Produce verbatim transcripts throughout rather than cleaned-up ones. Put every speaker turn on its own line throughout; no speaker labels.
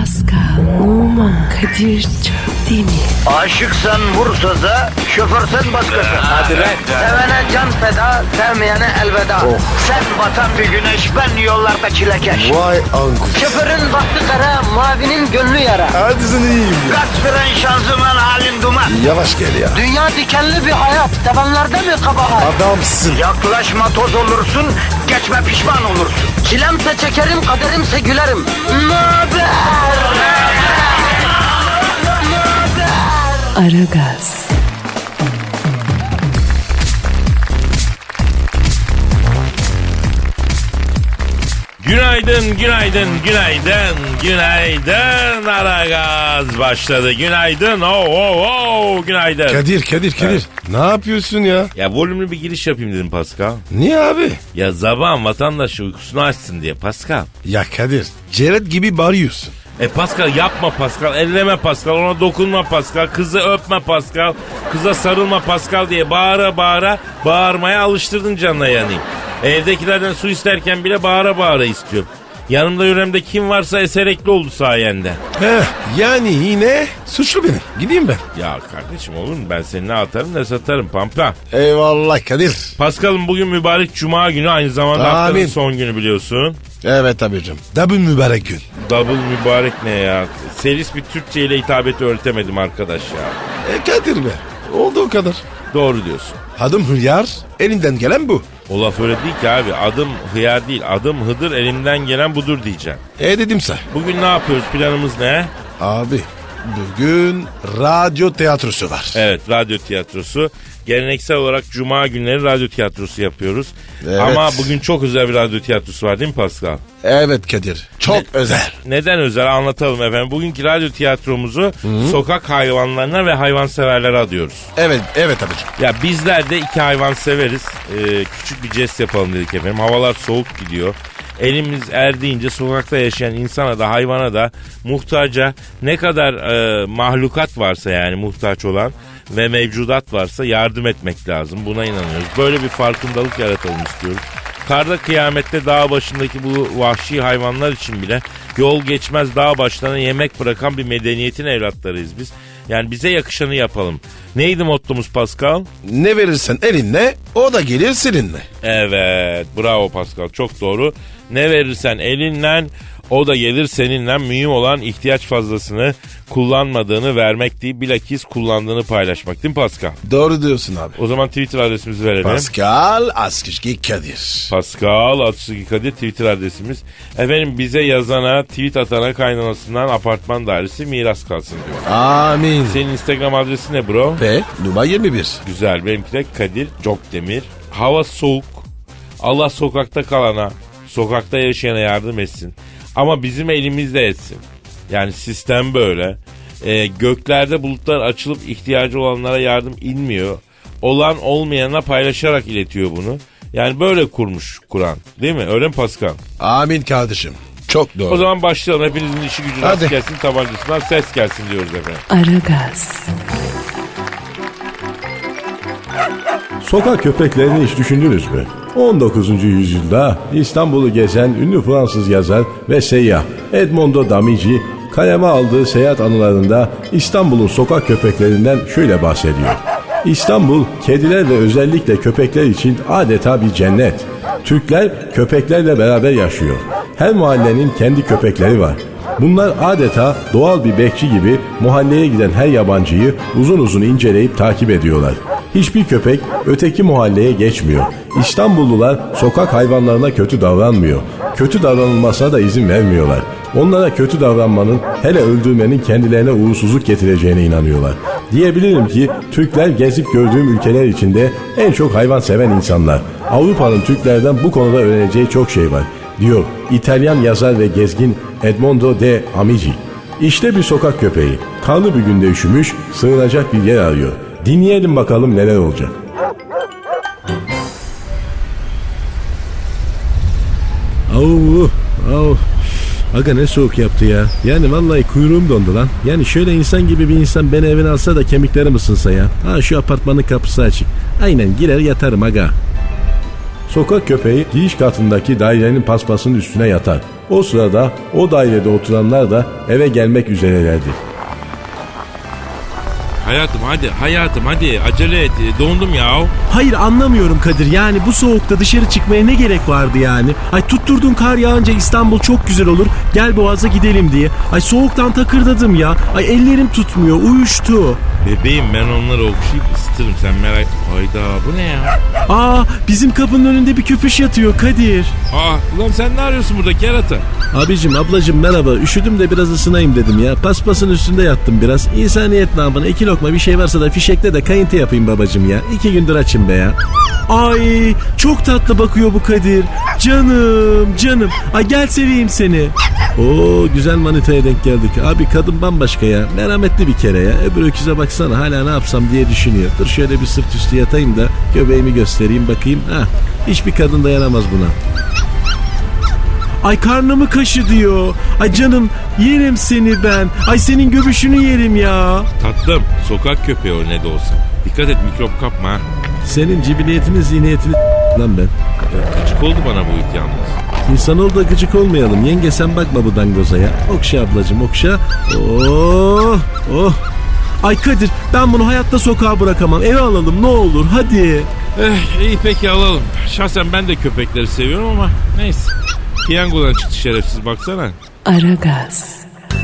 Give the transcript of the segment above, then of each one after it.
Pascal, Oman, Kadir çok değil mi?
Aşıksan vursa da, şoförsen başkasın.
Hadi lan.
Sevene can feda, sevmeyene elveda. Sen batan bir güneş, ben yollarda çilekeş.
Vay anku.
Şoförün baktı kara, mavinin gönlü yara.
Hadi sen iyiyim ya.
Kasperen şanzıman halin duman.
Yavaş gel ya.
Dünya dikenli bir hayat, sevenlerde mi kabahar?
Adamsın.
Yaklaşma toz olursun, geçme pişman olursun. Çilemse çekerim, kaderimse gülerim. Möber!
Aragaz.
Günaydın, günaydın, günaydın, günaydın. Aragaz başladı. Günaydın, oh, oh, oh, günaydın.
Kadir Kadir Kadir.
Evet.
Ne yapıyorsun ya?
Ya volümlü bir giriş yapayım dedim Pascal.
Niye abi?
Ya sabahın vatandaşı uykusunu açsın diye Pascal.
Ya Kadir. Ceret gibi bağırıyorsun.
E Pascal yapma Pascal, elleme Pascal, ona dokunma Pascal, kızı öpme Pascal, kıza sarılma Pascal diye bağıra bağıra bağırmaya alıştırdın canına yanayım. Evdekilerden su isterken bile bağıra bağıra istiyorum. Yanımda yüreğimde kim varsa eserekli oldu sayende.
Heh, yani yine suçlu beni. Gideyim ben.
Ya kardeşim olur mu, ben seni ne atarım ne satarım pampa.
Eyvallah Kadir.
Pascal'ım bugün mübarek cuma günü, aynı zamanda
Amin.
haftanın son günü biliyorsun.
Evet abicim. Double mübarek gün.
Double mübarek ne ya? Selis bir Türkçe ile hitabeti öğretemedim arkadaş ya.
E Kadir be. Oldu o kadar.
Doğru diyorsun.
Adım Hıyar. Elinden gelen bu.
O laf öyle değil ki abi. Adım hıyar değil. Adım Hıdır, elimden gelen budur diyeceğim.
E dedimse.
Bugün ne yapıyoruz? Planımız ne?
Abi bugün radyo tiyatrosu var.
Evet, radyo tiyatrosu. Geleneksel olarak cuma günleri radyo tiyatrosu yapıyoruz.
Evet.
Ama bugün çok özel bir radyo tiyatrosu var değil mi Pascal?
Evet Kadir. Çok
Ne-
özel.
Neden özel anlatalım efendim. Bugünkü radyo tiyatromuzu Hı-hı. sokak hayvanlarına ve hayvanseverlere adıyoruz.
Evet evet abicim.
Ya bizler de iki hayvan severiz. Ee, küçük bir jest yapalım dedik efendim. Havalar soğuk gidiyor. Elimiz erdiğince sokakta yaşayan insana da hayvana da muhtaca ne kadar e, mahlukat varsa, yani muhtaç olan ve mevcudat varsa yardım etmek lazım. Buna inanıyoruz. Böyle bir farkındalık yaratalım istiyoruz. Karda kıyamette dağ başındaki bu vahşi hayvanlar için bile yol geçmez dağ başlarına yemek bırakan bir medeniyetin evlatlarıyız biz. Yani bize yakışanı yapalım. Neydi mottomuz Pascal?
Ne verirsen elinle o da gelir seninle.
Evet, bravo Pascal, çok doğru. Ne verirsen elinle o da gelir seninle. Mühim olan ihtiyaç fazlasını kullanmadığını vermek değil, bilakis kullandığını paylaşmak değil mi Pascal?
Doğru diyorsun abi.
O zaman Twitter adresimizi verelim.
Pascal Askışki Kadir.
Pascal Askışki Kadir Twitter adresimiz. Efendim bize yazana, tweet atana kaynanasından apartman dairesi miras kalsın diyor.
Amin.
Senin Instagram adresi ne bro?
Ve numara yirmi bir.
Güzel, benimki de Kadir Cokdemir. Hava soğuk. Allah sokakta kalana, sokakta yaşayana yardım etsin. Ama bizim elimizde etsin. Yani sistem böyle. Ee, göklerde bulutlar açılıp ihtiyacı olanlara yardım inmiyor. Olan olmayana paylaşarak iletiyor bunu. Yani böyle kurmuş Kur'an. Değil mi? Öyle mi Pascal?
Amin kardeşim. Çok doğru.
O zaman başlayalım. Hepinizin işi gücü rast
Hadi.
gelsin, tabancasından ses gelsin diyoruz efendim.
Aragaz.
Sokak köpeklerini hiç düşündünüz mü? on dokuzuncu yüzyılda İstanbul'u gezen ünlü Fransız yazar ve seyyah Edmondo Damici kaleme aldığı seyahat anılarında İstanbul'un sokak köpeklerinden şöyle bahsediyor. İstanbul, kediler ve özellikle köpekler için adeta bir cennet. Türkler köpeklerle beraber yaşıyor. Her mahallenin kendi köpekleri var. Bunlar adeta doğal bir bekçi gibi mahalleye giden her yabancıyı uzun uzun inceleyip takip ediyorlar. Hiçbir köpek öteki mahalleye geçmiyor. İstanbullular sokak hayvanlarına kötü davranmıyor. Kötü davranılmasına da izin vermiyorlar. Onlara kötü davranmanın, hele öldürmenin kendilerine uğursuzluk getireceğine inanıyorlar. Diyebilirim ki Türkler gezip gördüğüm ülkeler içinde en çok hayvan seven insanlar. Avrupa'nın Türklerden bu konuda öğreneceği çok şey var, diyor İtalyan yazar ve gezgin Edmondo de Amici. İşte bir sokak köpeği. Karlı bir günde üşümüş, sığınacak bir yer arıyor. Dinleyelim bakalım neler olacak. Au, au. Aga ne soğuk yaptı ya. Yani vallahi kuyruğum dondu lan. Yani şöyle insan gibi bir insan beni evine alsa da kemiklerim ısınsa ya. Ha şu apartmanın kapısı açık. Aynen girer yatarım aga. Sokak köpeği giriş katındaki dairenin paspasının üstüne yatar. O sırada o dairede oturanlar da eve gelmek üzerelerdi.
Hayatım hadi hayatım hadi acele et dondum ya.
Hayır anlamıyorum Kadir, yani bu soğukta dışarı çıkmaya ne gerek vardı yani? Ay tutturdun kar yağınca İstanbul çok güzel olur, gel Boğaz'a gidelim diye. Ay soğuktan takırdadım ya, ay ellerim tutmuyor, uyuştu.
Bebeğim ben onları okşayıp ısıtırım sen merak. Hayda bu ne ya?
Aa bizim kapının önünde bir köpüş yatıyor Kadir.
Aa ulan sen ne arıyorsun burada kerata?
Abicim ablacım merhaba, üşüdüm de biraz ısınayım dedim ya. Paspasın üstünde yattım biraz. İnsaniyet namına iki lokma bir şey varsa da fişekle de kayıntı yapayım babacım ya. İki gündür açım be ya.
Ay çok tatlı bakıyor bu Kadir. Canım canım, ay gel seveyim seni.
Oo güzel manitaya denk geldik. Abi kadın bambaşka ya. Merhametli bir kere ya. Öbür öküze baksana hala ne yapsam diye düşünüyor. Dur şöyle bir sırt üstü yatayım da göbeğimi göstereyim bakayım. Hah hiçbir kadın dayanamaz buna.
Ay karnımı kaşı diyor. Ay canım yerim seni ben. Ay senin göbüşünü yerim ya.
Tatlım sokak köpeği o ne de olsa. Dikkat et mikrop kapma ha.
Senin cibiliyetini zihniyetini lan ben.
Ya, gıcık oldu bana bu it yalnız.
İnsanoğlu da gıcık olmayalım. Yenge sen bakma bu dangoza ya. Okşa ablacım okşa. Oh oh.
Ay Kadir ben bunu hayatta sokağa bırakamam. Eve alalım ne olur hadi.
Eh, iyi peki alalım. Şahsen ben de köpekleri seviyorum ama neyse. Piyangodan çıktı şerefsiz baksana.
Aragaz.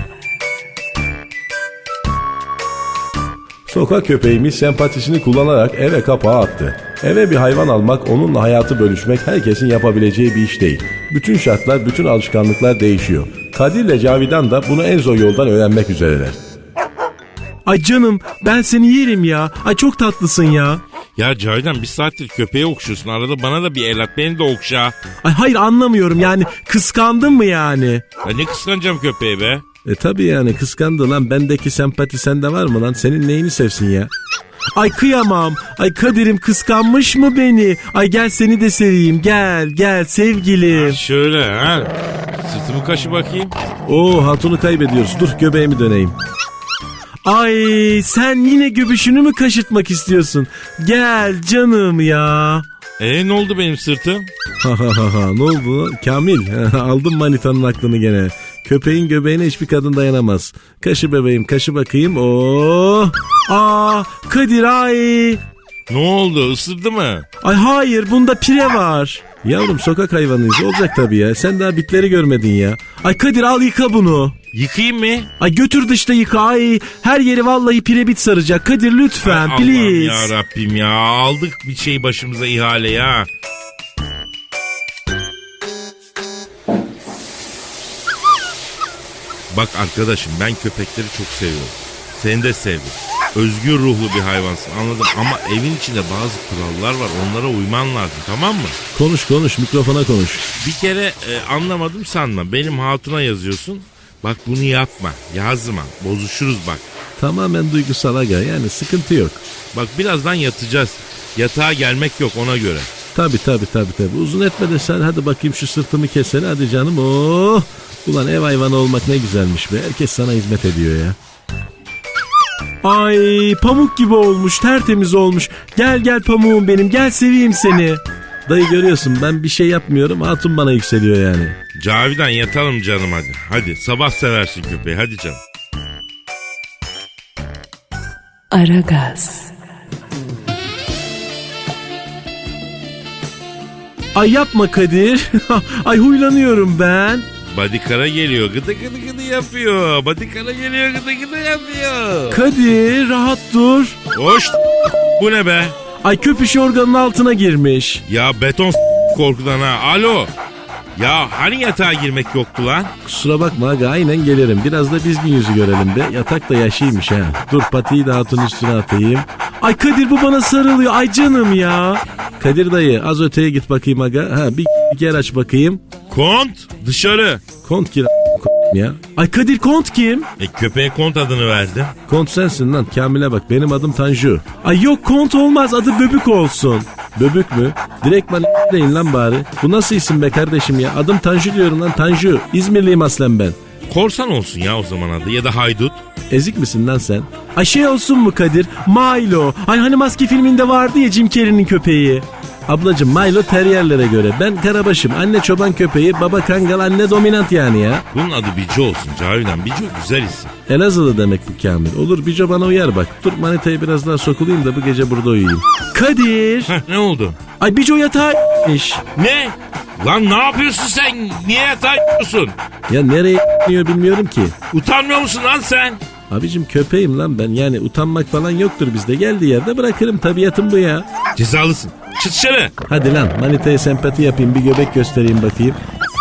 Sokak köpeğimiz sempatisini kullanarak eve kapağı attı. Eve bir hayvan almak, onunla hayatı bölüşmek herkesin yapabileceği bir iş değil. Bütün şartlar, bütün alışkanlıklar değişiyor. Kadir ile Cavidan da bunu en zor yoldan öğrenmek üzereler.
Ay canım ben seni yerim ya. Ay çok tatlısın ya.
Ya Cavidan bir saattir köpeği okşuyorsun. Arada bana da bir el at beni de okşa.
Ay hayır anlamıyorum yani, kıskandın mı yani?
Ya ne kıskanacağım köpeği be?
E tabi yani kıskandı lan, bendeki sempati sende var mı lan? Senin neyini sevsin ya?
Ay kıyamam. Ay Kadir'im kıskanmış mı beni? Ay gel seni de seveyim, gel gel sevgilim.
Ha, şöyle ha. Sırtımı kaşı bakayım.
Oo hatunu kaybediyoruz, dur göbeğimi döneyim.
Ay sen yine göbüşünü mü kaşıtmak istiyorsun? Gel canım ya.
E ne oldu benim sırtım?
Ha ha ha ha ne oldu? Kamil aldım manitanın aklını gene. Köpeğin göbeğine hiçbir kadın dayanamaz. Kaşı bebeğim kaşı bakayım. Oo.
Aa Kadir ay.
Ne oldu ısırdı mı?
Ay hayır bunda pire var.
Yavrum sokak hayvanıyız, olacak tabii ya. Sen daha bitleri görmedin ya.
Ay Kadir al yıka bunu.
Yıkayayım mı?
Ay götür dışta yıka, ay her yeri vallahi pirebit saracak. Kadir lütfen
Ay,
please.
Allah'ım ya Rabbim ya aldık bir şey başımıza ihale ya. Bak arkadaşım ben köpekleri çok seviyorum. Seni de sevdim. Özgür ruhlu bir hayvansın anladım ama evin içinde bazı kurallar var, onlara uyman lazım, tamam mı?
Konuş konuş, mikrofona konuş.
Bir kere e, anlamadım sanma, benim hatuna yazıyorsun. Bak bunu yapma, yazma, bozuşuruz bak.
Tamamen duygusal aga, yani sıkıntı yok.
Bak birazdan yatacağız. Yatağa gelmek yok ona göre.
Tabi tabi tabi tabi. Uzun etme de sen hadi bakayım şu sırtımı kesene hadi canım. Oh. Ulan ev hayvanı olmak ne güzelmiş be. Herkes sana hizmet ediyor ya.
Ay pamuk gibi olmuş, tertemiz olmuş. Gel gel pamuğum benim, gel seveyim seni.
Dayı görüyorsun ben bir şey yapmıyorum, hatun bana yükseliyor yani.
Cavidan yatalım canım hadi. Hadi sabah seversin köpeği hadi canım.
Aragaz.
Ay yapma Kadir. Ay huylanıyorum ben.
Badikara geliyor gıdı gıdı gıdı yapıyor. Badikara geliyor gıdı gıdı yapıyor.
Kadir rahat dur.
Hoş bu ne be?
Ay köpüş organın altına girmiş.
Ya beton korkudan ha. Alo. Ya hani yatağa girmek yoktu lan?
Kusura bakma aga, aynen gelirim. Biraz da dizgin yüzü görelim be. Yatak da yaşıymış ha. Dur patiyi de hatun üstüne atayım.
Ay Kadir bu bana sarılıyor. Ay canım ya.
Kadir dayı az öteye git bakayım aga. Ha bir yer aç bakayım.
Kont dışarı.
Kont gir ya.
Ay Kadir Kont kim?
E köpeğe kont adını verdim.
Kont sensin lan, Kamil'e bak, benim adım Tanju.
Ay yok Kont olmaz, adı Böbük olsun.
Böbük mü? Direkt bana deyin lan bari. Bu nasıl isim be kardeşim ya? Adım Tanju diyorum lan, Tanju. İzmirliyim aslen ben.
Korsan olsun ya o zaman adı ya da haydut.
Ezik misin lan sen?
Ay şey olsun mu Kadir? Milo. Ay hani Maske filminde vardı ya Jim Carrey'nin köpeği. Ablacım Milo teriyerlere göre. Ben karabaşım. Anne çoban köpeği, baba kangal, anne dominant yani ya.
Bunun adı Bico olsun Cavidan. Bico güzel isim.
Elazığlı demek bu Kamil. Olur Bico bana uyar bak. Dur manitayı biraz daha sokulayım da bu gece burada uyuyayım. Kadir.
Heh, ne oldu?
Ay Bico yatağa ***miş.
Ne? Lan ne yapıyorsun sen? Niye yatağa yapıyorsun?
Ya nereye ***niyor bilmiyorum ki.
Utanmıyor musun lan sen?
Abicim köpeğim lan ben. Yani utanmak falan yoktur bizde. Geldiği yerde bırakırım. Tabiatım bu ya.
Cezalısın. Çık dışarı.
Hadi lan manitaya sempati yapayım. Bir göbek göstereyim bakayım.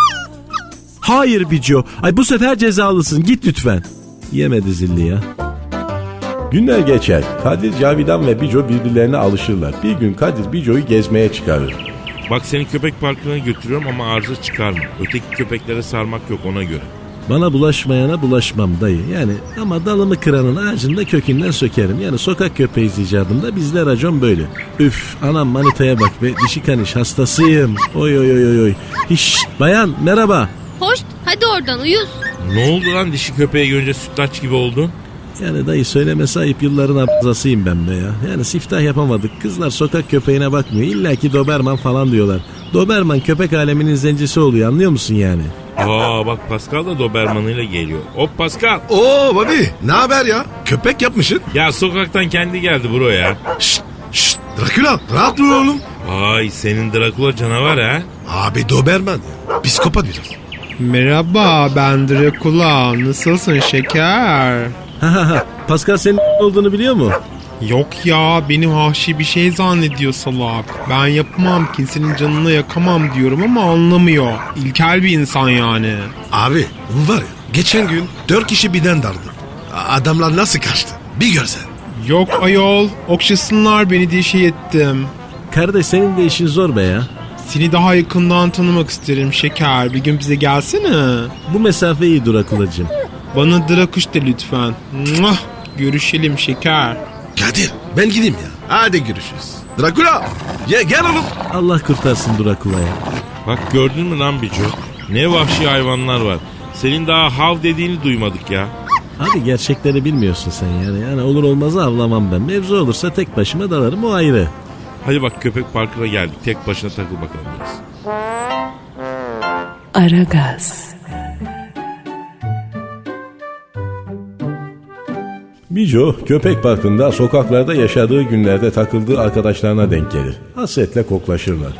Hayır Bico. Ay bu sefer cezalısın. Git lütfen. Yemedi zilli ya.
Günler geçer. Kadir, Cavidan ve Bico birbirlerine alışırlar. Bir gün Kadir Bico'yu gezmeye çıkarır.
Bak seni köpek parkına götürüyorum ama arıza çıkarma. Öteki köpeklere sarmak yok ona göre.
Bana bulaşmayana bulaşmam dayı. Yani ama dalımı kıranın ağacında kökünden sökerim. Yani sokak köpeği icadında bizde racon böyle. Üf anam manitaya bak be. Dişi kaniş hastasıyım. Oy oy oy oy oy. Hiş bayan merhaba.
Hoş, hadi oradan uyuz.
Ne oldu lan dişi köpeği görünce sütlaç gibi oldun?
Yani dayı söylemesi ayıp yılların abzasıyım ben be ya. Yani siftah yapamadık. Kızlar sokak köpeğine bakmıyor. İlla ki Doberman falan diyorlar. Doberman köpek aleminin zencisi oluyor anlıyor musun yani?
Aa bak Pascal da Doberman'ıyla geliyor. Hop Pascal.
Oo Bobby ne haber ya? Köpek yapmışsın.
Ya sokaktan kendi geldi bro ya.
Şşt şşt Dracula rahat dur oğlum.
Vay senin Dracula canavar ha.
Abi Doberman ya. Psikopat biraz.
Merhaba ben Dracula. Nasılsın şeker?
Ha ha ha. Pascal senin olduğunu biliyor mu?
Yok ya benim vahşi bir şey zannediyor salak. Ben yapamam kimsenin canını yakamam diyorum ama anlamıyor. İlkel bir insan yani.
Abi bu var ya geçen gün dört kişi birden dardı. Adamlar nasıl kaçtı? Bir görsen.
Yok ayol okşasınlar beni diye şey ettim.
Kardeş senin de işin zor be ya.
Seni daha yakından tanımak isterim şeker. Bir gün bize gelsene.
Bu mesafe iyi Drakulacığım.
Bana Drakuş de lütfen. Muah! Görüşelim şeker.
Kadir ben gideyim ya. Hadi görüşürüz. Dracula ya gel oğlum.
Allah kurtarsın Drakula'ya.
Bak gördün mü lan Bico? Ne vahşi hayvanlar var. Senin daha hav dediğini duymadık ya.
Abi gerçekleri bilmiyorsun sen yani. Yani olur olmazı avlamam ben. Mevzu olursa tek başıma dalarım o ayrı.
Hadi bak köpek parkına geldik. Tek başına takıl bakalım biraz.
Aragaz.
Bico köpek parkında sokaklarda yaşadığı günlerde takıldığı arkadaşlarına denk gelir. Hasretle koklaşırlar.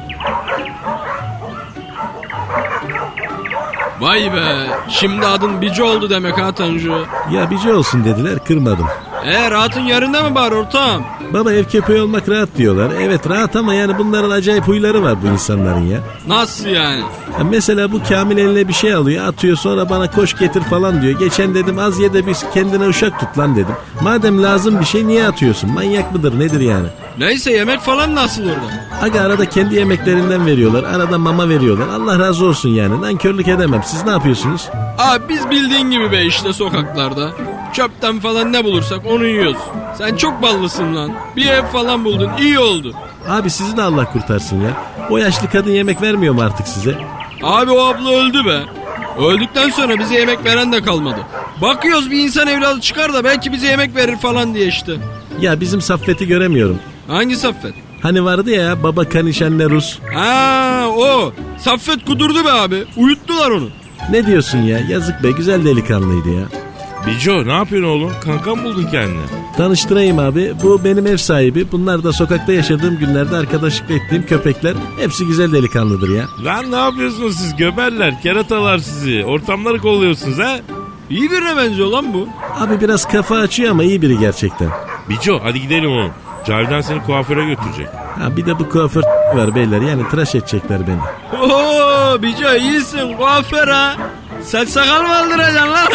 Vay be, şimdi adın Bici oldu demek ha Tanju.
Ya Bico olsun dediler kırmadım.
E rahatın yerinde mi bari ortağım?
Baba ev köpeği olmak rahat diyorlar. Evet rahat ama yani bunların acayip huyları var bu insanların ya.
Nasıl yani?
Ya mesela bu Kamil eline bir şey alıyor atıyor sonra bana koş getir falan diyor. Geçen dedim az ye de bir kendine uşak tut lan dedim. Madem lazım bir şey niye atıyorsun? Manyak mıdır nedir yani?
Neyse yemek falan nasıl orada?
Aga arada kendi yemeklerinden veriyorlar. Arada mama veriyorlar. Allah razı olsun yani. Nankörlük edemem. Siz ne yapıyorsunuz?
Abi biz bildiğin gibi be işte sokaklarda. Çöpten falan ne bulursak onu yiyoruz. Sen çok ballısın lan. Bir ev falan buldun iyi oldu.
Abi sizi de Allah kurtarsın ya. O yaşlı kadın yemek vermiyor mu artık size?
Abi o abla öldü be. Öldükten sonra bize yemek veren de kalmadı. Bakıyoruz bir insan evladı çıkar da belki bize yemek verir falan diye işte.
Ya bizim Saffet'i göremiyorum.
Hangi Saffet?
Hani vardı ya baba kaniş anne Rus.
Ha o. Saffet kudurdu be abi. Uyuttular onu.
Ne diyorsun ya? Yazık be güzel delikanlıydı ya.
Bico ne yapıyorsun oğlum? Kanka mı buldun kendine?
Tanıştırayım abi. Bu benim ev sahibi. Bunlar da sokakta yaşadığım günlerde arkadaşlık ettiğim köpekler. Hepsi güzel delikanlıdır ya.
Lan ne yapıyorsunuz siz göberler, keratalar sizi. Ortamları kolluyorsunuz ha?
İyi birine benziyor lan bu.
Abi biraz kafa açıyor ama iyi biri gerçekten.
Bico hadi gidelim oğlum. Cavidan seni kuaföre götürecek.
Ha bir de bu kuaför var beyler. Yani tıraş edecekler beni.
Oo Bico iyisin kuaför ha. Saç sakal mı aldıracaksın lan?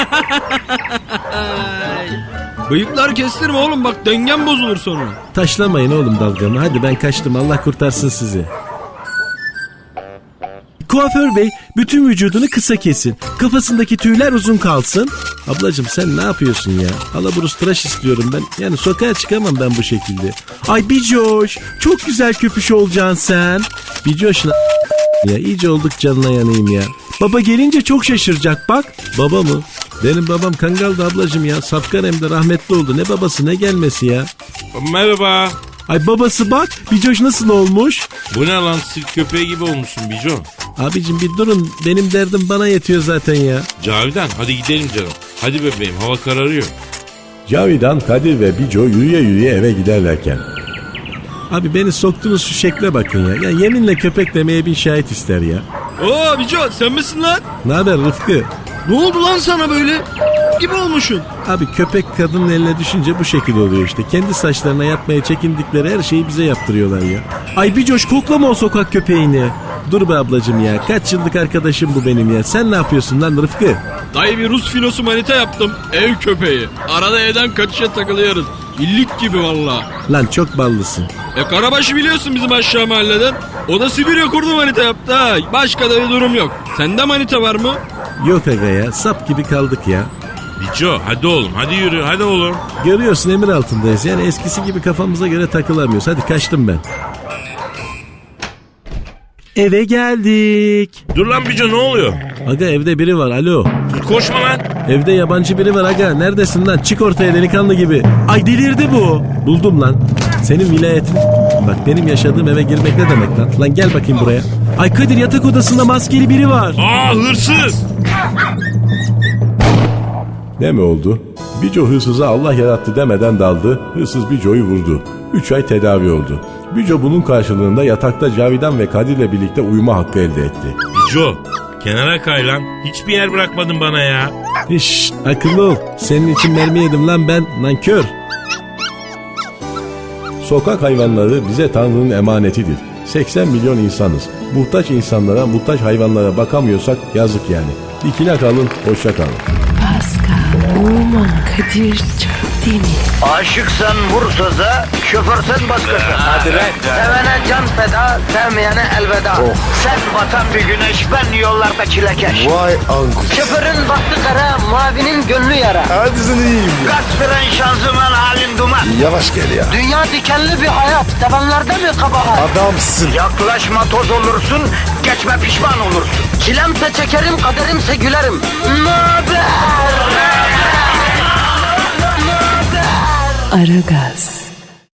Bıyıklar kestirme oğlum bak dengen bozulur sonra.
Taşlamayın oğlum dalgamı. Hadi ben kaçtım. Allah kurtarsın sizi. Kuaför bey bütün vücudunu kısa kesin. Kafasındaki tüyler uzun kalsın. Ablacığım sen ne yapıyorsun ya? Alaburus tıraş istiyorum ben. Yani sokağa çıkamam ben bu şekilde. Ay Bicoş çok güzel köpüş olacaksın sen. Bicoş ya iyice olduk canına yanayım ya. Baba gelince çok şaşıracak bak. Baba mı? Benim babam Kangal'dı ablacığım ya. Safkan hem de rahmetli oldu. Ne babası ne gelmesi ya.
Merhaba.
Ay babası bak Bicoş nasıl olmuş?
Bu ne lan, sirk köpeği gibi olmuşsun Bico.
Abicim bir durun benim derdim bana yetiyor zaten ya.
Cavidan hadi gidelim canım. Hadi bebeğim, hava kararıyor.
Cavidan, Kadir ve Bico yürüye yürüye eve giderlerken.
Abi beni soktuğunuz şu şekle bakın ya. Ya yeminle köpek demeye bin şahit ister ya.
Oo Bico sen misin lan?
Ne haber Rıfkı?
Ne oldu lan sana böyle? Gibi olmuşsun.
Abi köpek kadının eline düşünce bu şekil oluyor işte. Kendi saçlarına yapmaya çekindikleri her şeyi bize yaptırıyorlar ya. Ay Bicoş koklama o sokak köpeğini. Dur be ablacım ya. Kaç yıllık arkadaşım bu benim ya. Sen ne yapıyorsun lan Rıfkı?
Dayı bir Rus filosu manita yaptım. Ev köpeği. Arada evden kaçışa takılıyoruz. İllik gibi valla.
Lan çok ballısın.
E Karabaş'ı biliyorsun bizim aşağı mahalleden. O da Sibirya kurdu manita yaptı ha. Başka da bir durum yok. Sende manita var mı?
Yok aga ya. Sap gibi kaldık ya.
Bico hadi oğlum, hadi yürü, hadi oğlum.
Görüyorsun emir altındayız. Yani eskisi gibi kafamıza göre takılamıyoruz. Hadi kaçtım ben. Eve geldik.
Dur lan Bico, ne oluyor?
Aga evde biri var. Alo.
Koşma lan.
Evde yabancı biri var aga. Neredesin lan? Çık ortaya delikanlı gibi. Ay delirdi bu. Buldum lan. Senin vilayetin. Bak benim yaşadığım eve girmek ne demek lan? Lan gel bakayım buraya. Ay Kadir yatak odasında maskeli biri var.
Aa, hırsız.
Ne mi oldu? Bico hırsıza Allah yarattı demeden daldı. Hırsız Bico'yu vurdu. Üç ay tedavi oldu. Bico bunun karşılığında yatakta Cavidan ve Kadir'le birlikte uyuma hakkı elde etti.
Bico kenara kay lan. Hiçbir yer bırakmadın bana ya.
Şşş akıllı ol. Senin için mermi yedim lan ben. Nankör.
Sokak hayvanları bize Tanrı'nın emanetidir. seksen milyon insanız. Muhtaç insanlara, muhtaç hayvanlara bakamıyorsak yazık yani. Dikine kalın, hoşça kalın.
Pascal, Oman, Kadir çok değil mi?
Aşıksan vursa da, şoförsen başkasın. Hadi lan. Sevene can feda, sevmeyene elveda. Sen batan bir güneş, ben yollarda çilekeş.
Vay anku.
Şoförün baktı kara, mavinin gönlü yara.
Hadi sen iyiyim ya.
Kasperen şanzıman halin duman.
Yavaş gel ya.
Dünya dikenli bir hayat, sevenlerde mi kabahar?
Adamsın.
Yaklaşma toz olursun, geçme pişman olursun. Çilemse çekerim, kaderimse gülerim. Möber!
Aragaz.